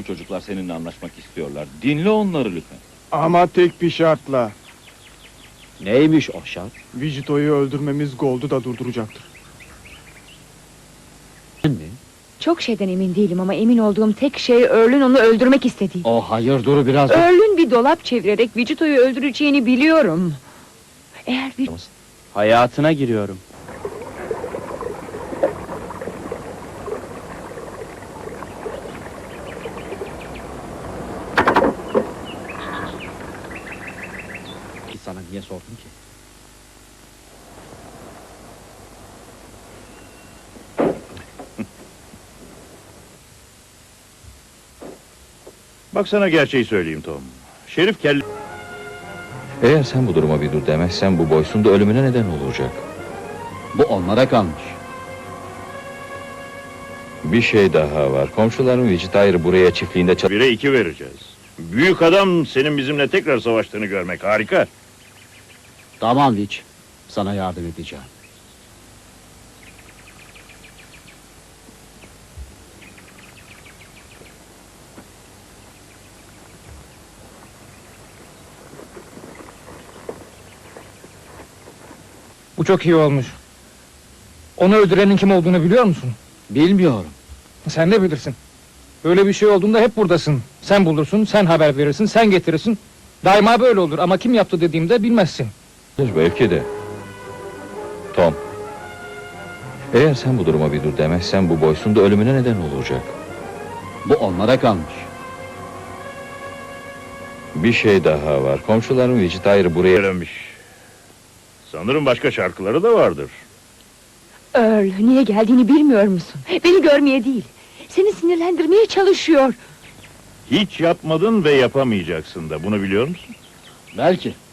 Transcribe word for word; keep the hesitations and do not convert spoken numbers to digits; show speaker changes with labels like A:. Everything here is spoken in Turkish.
A: bu çocuklar seninle anlaşmak istiyorlar. Dinle onları lütfen.
B: Ama tek bir şartla.
C: Neymiş o şart?
B: Vijito'yu öldürmemiz Gold'u da durduracaktır.
C: Mi?
D: Çok şeyden emin değilim ama emin olduğum tek şey Earl'ün onu öldürmek istediği.
C: O hayır, dur biraz.
D: Earl'ün bir dolap çevirerek Vijito'yu öldüreceğini biliyorum. Eğer bir...
C: Hayatına giriyorum. Sana niye sordum ki?
E: Bak sana gerçeği söyleyeyim Tom. Şerif kelle...
A: Eğer sen bu duruma bir dur demezsen bu Boyce'un da ölümüne neden olacak.
C: Bu onlara kalmış.
A: Bir şey daha var. Komşuların Vijita'yı buraya çiftliğinde çal...
E: Bire iki vereceğiz. Büyük adam senin bizimle tekrar savaştığını görmek harika.
C: Tamam Witch. Sana yardım edeceğim.
F: Bu çok iyi olmuş. Onu öldürenin kim olduğunu biliyor musun?
C: Bilmiyorum.
F: Sen de bilirsin. Böyle bir şey olduğunda hep buradasın. Sen bulursun, sen haber verirsin, sen getirirsin. Daima böyle olur ama kim yaptı dediğimde bilmezsin.
A: Belki de. Tom. Eğer sen bu duruma bir dur demezsen bu Boyce'un da ölümüne neden olacak.
C: Bu onlara kalmış.
A: Bir şey daha var. Komşuların Vijita'yı buraya...
E: Öğrenmiş. Sanırım başka şarkıları da vardır.
D: Earl, niye geldiğini bilmiyor musun? Beni görmeye değil, seni sinirlendirmeye çalışıyor.
E: Hiç yapmadın ve yapamayacaksın da, bunu biliyor musun?
C: Belki.